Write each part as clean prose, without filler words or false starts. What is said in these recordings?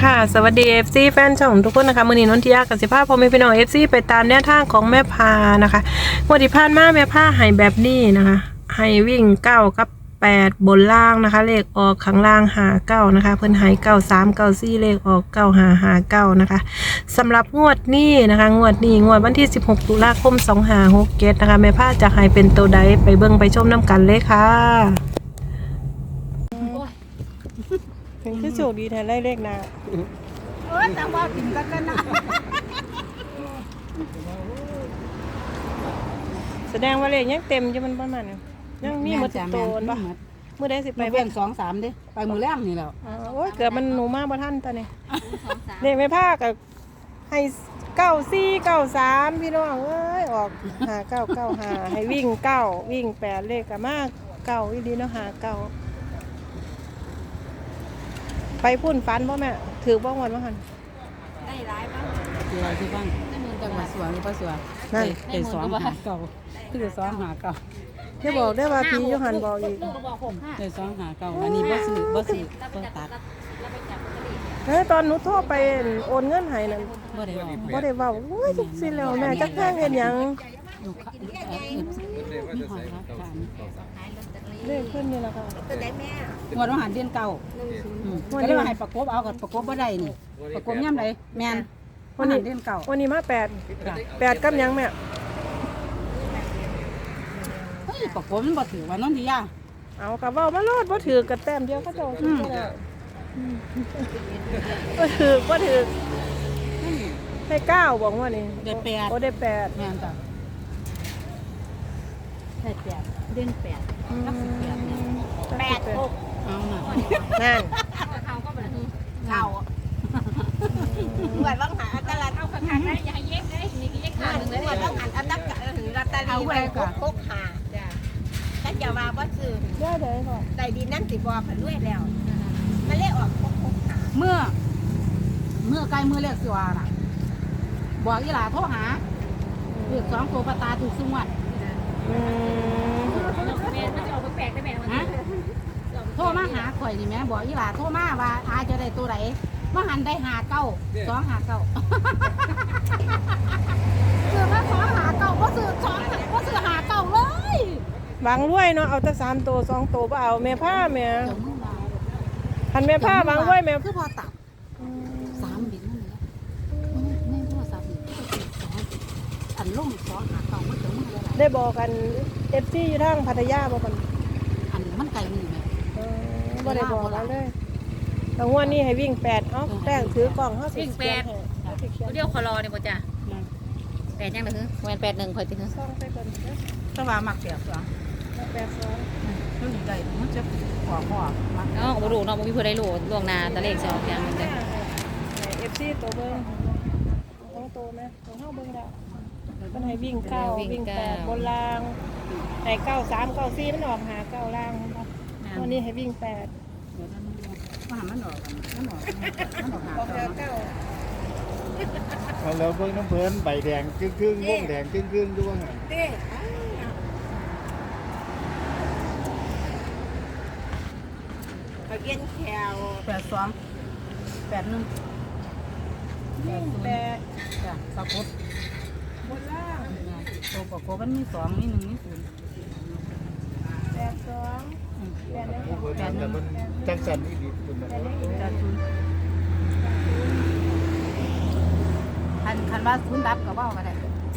ค่ะสวัสดี FC แฟนช่องทุกคนนะคะมื้อนี้นนทิยากับสิภาพพ่อแม่พี่น้อง FC ไปตามแนวทางของแม่พานะคะงวดที่ผ่านมาแม่พาให้แบบนี้นะคะให้วิ่ง9กับ8บนล่างนะคะเลขออกข้างล่าง59นะคะเพิ่นให้9394เลขออก9559นะคะสำหรับงวดนี้นะคะงวดวันที่16ตุลาคม2567นะคะแม่พาจะให้เป็นตัวใดไปเบิ่งไปชมน้ำกันเลยค่ะถึงที่โชคดีแทนได้เลขนะแต่ว่ากินกันนะแสดงว่าเลขยังเต็มอยู่มันประมาณนี้ยังมีหมดโตนปะมื้อใดสิไปไปเบิ่ง2-3ดิไปมือแรกนี่แล้วโอ้ยเกือบมันหนูมาบ่ทันตอนนี้เลขไม่พากับให้9493พี่น้องเอ้ยออก5995ให้วิ่ง9วิ่ง8เลขก็มา9อีหลีเนาะ59ไปพุ่นฟันบ่แม่ถือบ่งวดบ่หั่นได้หลายบ้างคืออะไรที่บ้างจังหวัดสวนหรือเปล่าสวนได้2 5 9คือ2 5 9 อย่าบอกได้ว่าพี่อยู่หั่นบอกอีกได้2 5 9อันนี้บ่ซื้อบ่ตัดตอนหนูโทรไปโอนเงินให้นั่นบ่ได้เว้าโอ้ยจังซี่แล้วแม่จักแพงเฮ็ดหยังเลขขึ้นนี่ล่ะค่ะงวดอาหารเดือนเก่าก็เลยว่าให้ประกบเอากับประกบบ่ได้นี่ประกบย่ำใดแม่นวันนี้เดือนเก่าวันนี้มา8กับหยังแม่เฮ้ยประกบมันบ่ถือว่านนทิยาเอากะเว้ามาโลดบ่ถือกับแต้มเดียวเขาเจ้าถือได้บ่ถือให้9บอกว่านี่ได้8 โอ้ได้8 แม่นจ้ะได้8เดือน8กับ18เนี่ย8 6เอาน่ะนั่นเขาก็แบบเขาเหมือนว่างหาตลาดเอาข้างๆได้อย่าเย็กได้นี่เย็กขาหนึ่งเลยเหมือนว่างหันอันดับกับถึงรัตตาลีไปคุกหาจ้ะถ้าจะมาว่าซื้อได้ก่อนใจดีนั่นสิบอผันด้วยแล้วมาเล่ออกคุกหาเมื่อใกล้มือเรียกสิวาน่ะบอกอีหลาโทรหาเรียก2ตัวปตาถูกสงวดแปลกได้แม่โทรมาหาข่อยนี่แม่บอกอีหลาโทรมาว่าอาจะได้ตัวไหนมาหันได้59 259ซื้อมา259บ่ซื้อ59เลยบางรวยเนาะเอาแต่3ตัว2ตัวบ่เอาแม่ผ้าแม่คันแม่ผ้าบางรวยแม่คือพอตัด3บินนั่นแหละในโทรศัพท์นี่อันลง259มันจะมือแล้วได้บอกกัน FC อยู่ทางพัทยาบ่กันอันมันไกลมือแม่บ่ได้บอกแล้วเลยแต่งวดนี้ให้วิ่ง8เอ้าแป้งถือกล่องเฮาสิวิ่ง8เดี๋ยวขอรอนี่บ่จ้ะ8ยังล่ะคือแม่น81ค่อยติคือซ่องไปก่อนเด้อต้องว่ามักแบบ2มันอยู่ได้มันจะขอมักเนาะบ่รู้เนาะบ่มีผู้ใดรู้ล่วงหน้าตะเลขสิออกอย่างนึงจ้ะ FC ตัวเบิ่งของโตแม่ของเฮาเบิ่งแล้วมันให้วิ่ง9วิ่ง8บนล่างให้93 94มันออก59ล่างวันนี้ให้วิ่ง8 มันออกเอาแล้วเบิ่งน้ำเพิ่นใบแดงครึ่งๆวงแดงครึ่งๆด้วยไปเย็นแขว82 81 วิ่ง8 จ้ะประกบบนล่างตัวประกบมันมี2มี1มี0 แต่มันจังสันอีดีคุณนะคันว่าคุณดับกับว่าได้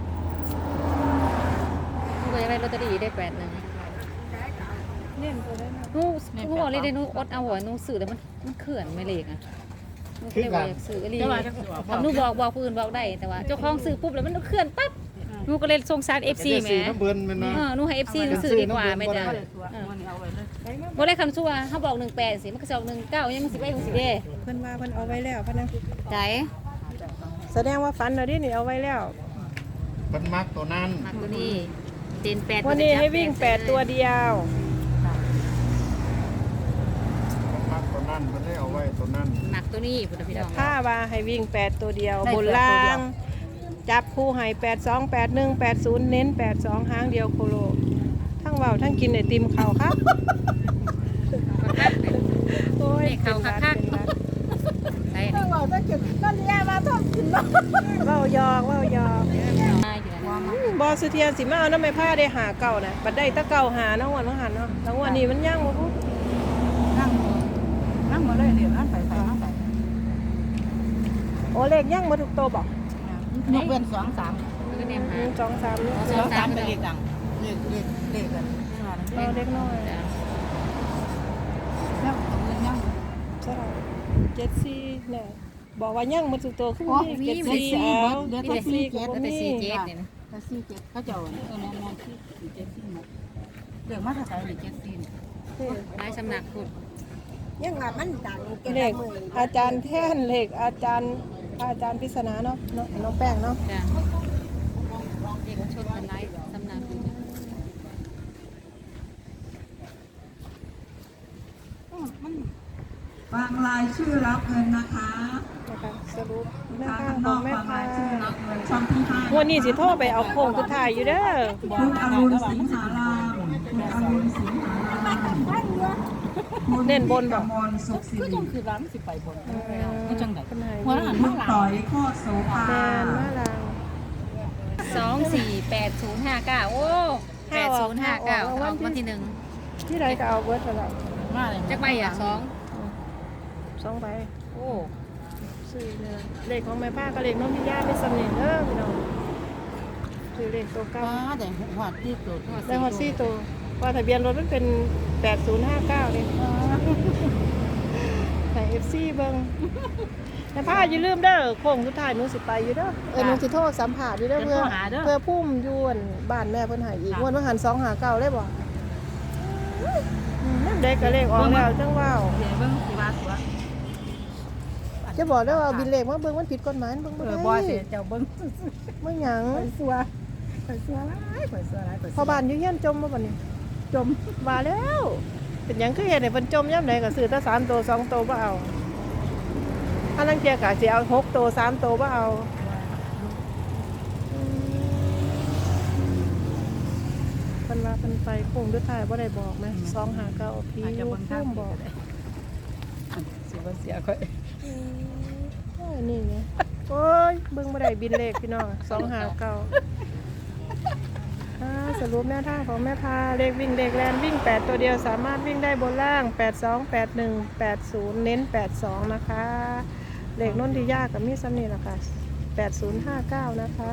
หนูก็อยากได้ลอตเตอรี่ได้81 เล่นตัวได้นะหนูบอกเลยได้หนูอดเอาหัวหนูซื้อแต่มันเขื่อนไม่เลขอ่ะหนูก็เลยว่าอยากซื้ออีหลีหนูบอกผู้อื่นบอกได้แต่ว่าเจ้าของซื้อปุ๊บแล้วมันเขื่อนปั๊บหนูก็เลยสงสาร FC แหมหนูให้ FC หนูซื้อดีกว่าแม่จ้ะบ่ได้คำชั่วเฮาบอก18สิมันก็สิออก19ยังสิไปสิเด้เพิ่นว่าเพิ่นเอาไว้แล้วเพิ่นนะใจแสดงว่าฝันแล้วดินี่เอาไว้แล้วเพิ่นมักตัวนั้นมักตัวนี้เด่น8 วันนี้ให้วิ่ง8ตัวเดียวมักตัวนั้นเพิ่นได้เอาไว้ตัวนั้นมักตัวนี้พุ่นพี่น้องถ้าว่าให้วิ่ง8ตัวเดียวบนล่างจับคู่ให้82 81 80เน้น82หางเดียวโคโลทั้งเว้าทั้งกินไอติมข้าวครับโอ้ยเขาคักๆใช่จะกินนั่นยามาทอดกินเนาะเว้าหยอกมาอยู่นั่นบ่สุเทียนสิมาเอาน้ำแม่ผ้าได้หาเก่าน่ะบัดได้แตะเก่าหาน้องวันน้องหันเนาะแล้ววันนี้มันยังบ่พูดนั่งมาเลยเดี๋ยวนั่งไปนั่งไปโอ้เลขยังบ่ถูกโตบ่ยกเว้น2-3 มันก็เนี่ยหา 2 3นี่ 2-3เป็นเลขดังเลขกันเอาเด็กน้อยจ้ะแล้วยังใช่74เนี่ยบอกว่ายังบ่ถูกโตคือโอ้มีมี 74เอาเดี๋ยวมีแต่แต่ 4 สี่เจ็ดแต่สี่เจ็ดเนี่ยนะแต่4 7เขาเจ้าเนี่ยแม่นที่4 7 4หมดเรื่องมาถ้าใช้เลย7 4 หลายสำนักพุทธยังว่ามันดังเก่งเลขอาจารย์แท่นเลขอาจารย์ปริศนาเนาะน้องแป้งเนาะจ้ะเด็กชนกันหลายสำนักพุทธมันฟังรายชื่อรับเงินนะคะนะคะสรุปแม่ทางข้างข้างขนออง กแม่ฟังพารายชื่อรับเงินช่องที่ห้าวันนี้สิโทรไปเอาโค้งสุดท้ายอยู่เด้อคุณอรุณสิงหารามคุณอรุณสิงหารามคุณเน้นบนกบ่มลสุขสิก็ริจังคือร้านสิไปบนก็จังได๋เป็นไงหัวหันคุมาณหลังต่อยโคตรโสภาแมนมาลาง 248059โอ้8059ออกวันที่หนึ่งที่ใดก็เอาเบิดตลอดมาเลยจักใบอ่ะ 2 ใบโอ้ซื้อเนี่ยเลขของแม่ป้ากับเลขน้องพี่ย่าเป็นสำเนียงเด้อพี่น้องซื้อเลขตัวเก้าว้าแต่หัวที่สุดได้ฮอตซี่ตัวว่าทะเบียนรถมันเป็น8059เลยใส่ FC เบิ่งแม่ป้าอย่าลืมเด้อโค้งสุดท้ายหนูสิไปอยู่เด้อหนูสิโทรสัมภาษณ์อยู่เด้อเพื่อพุ่มยวนบ้านแม่เพิ่นให้อีกงวดว่าหัน259เลยบ่นั่นเด็กก็เลขออกแล้วจังว้าวเดี๋ยวเบิ่งสิว่าตัวจะบอกได้ว่าบินเลขมาเบิ่งมันผิดกฎหมายเบิ่งบ่ได้บ่สิเจ้าเบิ่งไม่หยังสัวหลายสัวหลายพอบ้านอยู่เฮียนจมบ่บัดนี้จมว่าแล้วเป็นหยังคือเฮ็ดให้เพิ่นจมยามใดก็ซื้อแต่3ตัว2ตัวบ่เอาอันนั้นเที่ยก็สิเอา6ตัว3ตัวบ่เอาเพิ่นว่าเพิ่นไปโค้งสุดท้ายบ่ได้บอกแม่259พี่อาจจะอยู่เบิ่งทางพุ่มบอกสิบ่เสียค่อยนี่ไงโอ้ยเบิ่งบ่ได้บินเลขพี่น้อง259สรุปแนวทางของแม่พาเลขวิ่งเลขแลนวิ่ง8ตัวเดียวสามารถวิ่งได้บนล่าง82 81 80เน้น82นะคะเลขน้นที่ยากกับมีซ้ำนี่ล่ะค่ะ8059นะคะ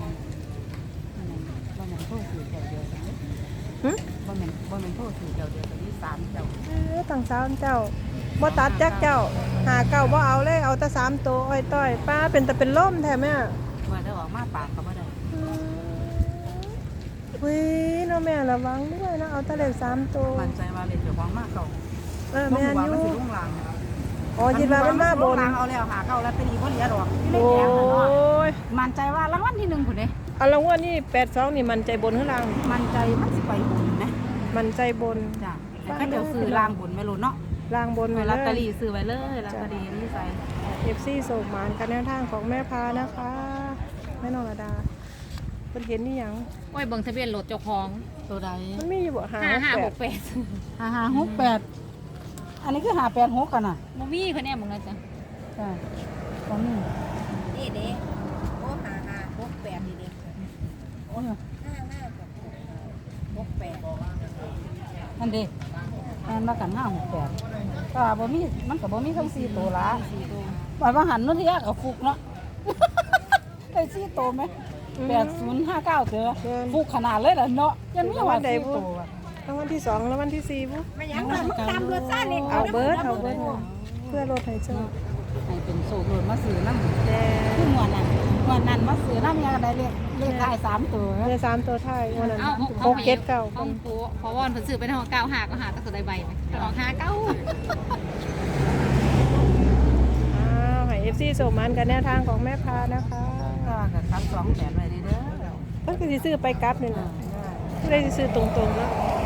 บ่แม่นโทษถือเจ้าเดียวกันหึบ่แม่นโทษถือเจ้าเดียวกันนี่3เจ้าตั้ง3เจ้าบ่ตัดจักเจ้าหาเก้าบ่เอาเลยเอาแต่3ตัวอ้อยต้อยป้าเป็นแต่เป็นล่มแท้แม่ว่าได้ออกมาปากก็บ่ได้อุ้ยน้องแม่ระวังด้วยนะเอาแต่เลข3ตัวมั่นใจว่าเลยเจ้าของมาเก่าแม่นอยู่มันสิลุ่งลังอ๋อยินว่ามันมาบนเอาแล้วหาเก่าแล้วเป็นอีบ่เหลือดอกโอ้ยมั่นใจว่ารางวัลที่1พุ่นเด้เอาละว่านี่82นี่มันใจบนข้างล่างมั่นใจมันสิไปบุญนะมันใจบนจ้ะแต่ก็เดี๋ยวซื้อลางบุญไม่รู้เนาะล่างบนเวไว้ลาลอตเตอเลรี่ยซื้อไว้เลยลอตเตอรี่นี่ใส่ FC ส่งหมานกันแนวทางของแม่พานะคะแม่นองระดาเพิ่นเห็นนี่หยังโอ้ยเบิ่งทะเบียนรถเจ้าของตัวใดมันมีอยู่บ่หา 5568 5568อันนี้คือ586กันน่ะบ่มีคะแนนมึงนะจ๊ะจ้ะตรงนี้นี่เด็กโอ้5568นี่เด็กโอ้ย 5568 อันเด้อันมากัน568ก็บ่มีมันก็บ่มีทั้ง4ตัวละว่าว่าหันนู้นที่ยากกับฟุกเนาะ ได้4ตัวไหม8059เด้อฟุกขนาดเลยล่ะเนาะยังมีว่า4ตัวรางวัลที่2รางวัลที่4บ่ไม่หยังมันตามรถซ่านี่เอาเบิดเพื่อรถให้เจ้าให้เป็นโซโลนมาซื้อนำแต่คือหมวดนั้นมาซื้อนำยังได้เลขท้าย3ตัวใน3ตัวท้ายวันนั้นเอา 6 7 9 ของปูเพราะว่าเพิ่นซื้อไปทาง95ก็หาตั้งแต่ใบไหมออก59 ให้ FC ส่งหมานกันแนวทางของแม่พานะคะก็กับ28ไว้เด้อเพิ่นก็สิซื้อไปกลับนี่ล่ะผู้ใดสิซื้อตรงๆเนาะ